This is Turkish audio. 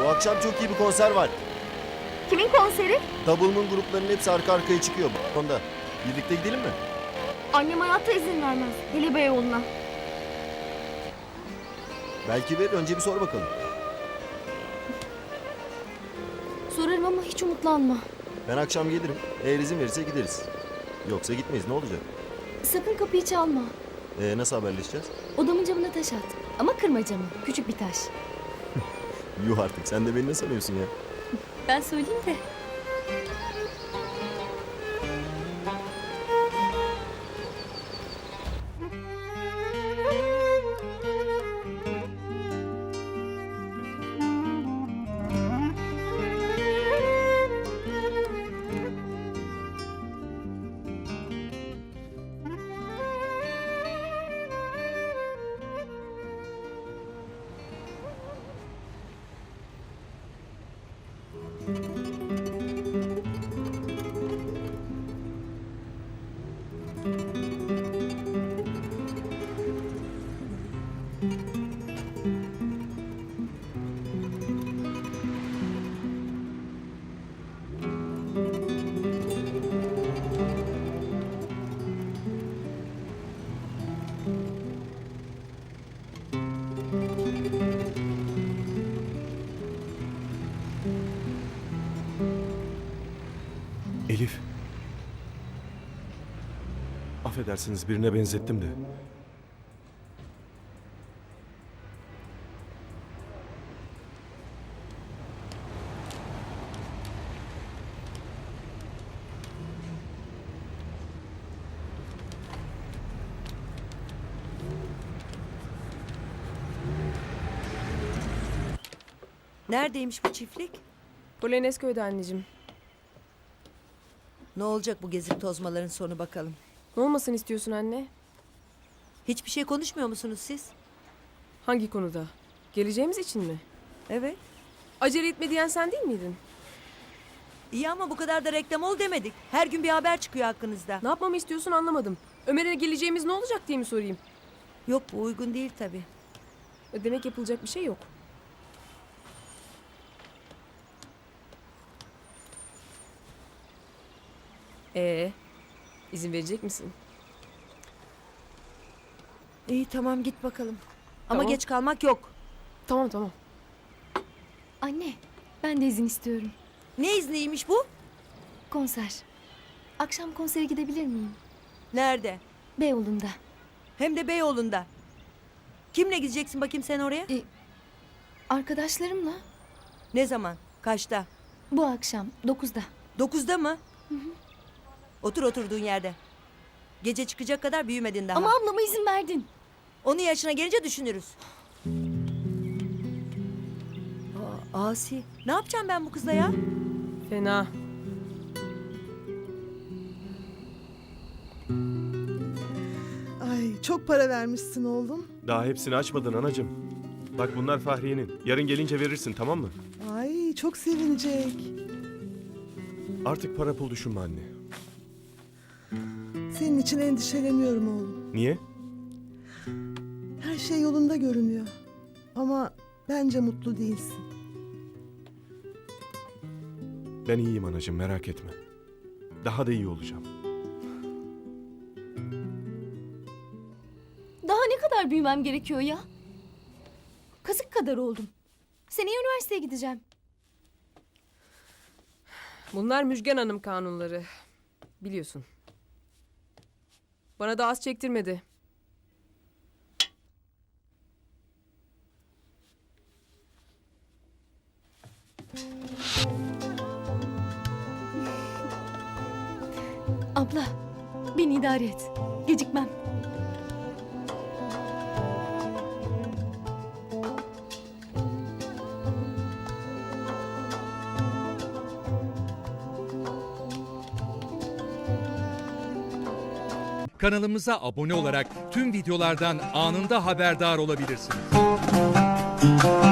Bu akşam çok iyi bir konser var. Kimin konseri? Double'ın gruplarının hepsi arka arkaya çıkıyor. Onda. Birlikte gidelim mi? Annem hayatta izin vermez. Hele Beyoğlu'na. Belki verir. Önce bir sor bakalım. Sorarım ama hiç umutlanma. Ben akşam gelirim. Eğer izin verirse gideriz. Yoksa gitmeyiz. Ne olacak? Sakın kapıyı çalma. Nasıl haberleşeceğiz? Odamın camına taş at. Ama kırma camı. Küçük bir taş. Yuh artık. Sen de beni ne sanıyorsun ya? Ben söyleyeyim de. Elif. Affedersiniz, birine benzettim de. Neredeymiş bu çiftlik? Polonezköy'de anneciğim. Ne olacak bu gezip tozmaların sonu bakalım. Ne olmasını istiyorsun anne? Hiçbir şey konuşmuyor musunuz siz? Hangi konuda? Geleceğimiz için mi? Evet. Acele etme diyen sen değil miydin? İyi ama bu kadar da reklam ol demedik. Her gün bir haber çıkıyor hakkınızda. Ne yapmamı istiyorsun anlamadım. Ömer'e geleceğimiz ne olacak diye mi sorayım? Yok bu uygun değil tabii. Demek yapılacak bir şey yok. İzin verecek misin? İyi tamam git bakalım. Ama Tamam. geç kalmak yok. Tamam. Anne, ben de izin istiyorum. Ne izniymiş bu? Konser. Akşam konsere gidebilir miyim? Nerede? Beyoğlu'nda. Hem de Beyoğlu'nda. Kimle gideceksin bakayım sen oraya? Arkadaşlarımla. Ne zaman? Kaçta? Bu akşam 9'da. 9'da mı? Otur oturduğun yerde. Gece çıkacak kadar büyümedin daha. Ama ablama izin verdin. Onun yaşına gelince düşünürüz. Asi. Ne yapacağım ben bu kızla ya? Fena. Ay çok para vermişsin oğlum. Daha hepsini açmadın anacığım. Bak bunlar Fahriye'nin. Yarın gelince verirsin, tamam mı? Ay çok sevinecek. Artık para pul düşünme anne. Senin için endişeleniyorum oğlum. Niye? Her şey yolunda görünüyor. Ama bence mutlu değilsin. Ben iyiyim anacığım, merak etme. Daha da iyi olacağım. Daha ne kadar büyümem gerekiyor ya? Kazık kadar oldum. Seneye üniversiteye gideceğim. Bunlar Müjgan Hanım kanunları. Biliyorsun. Bana da az çektirmedi. Abla, beni idare et. Gecikmem. Kanalımıza abone olarak tüm videolardan anında haberdar olabilirsiniz.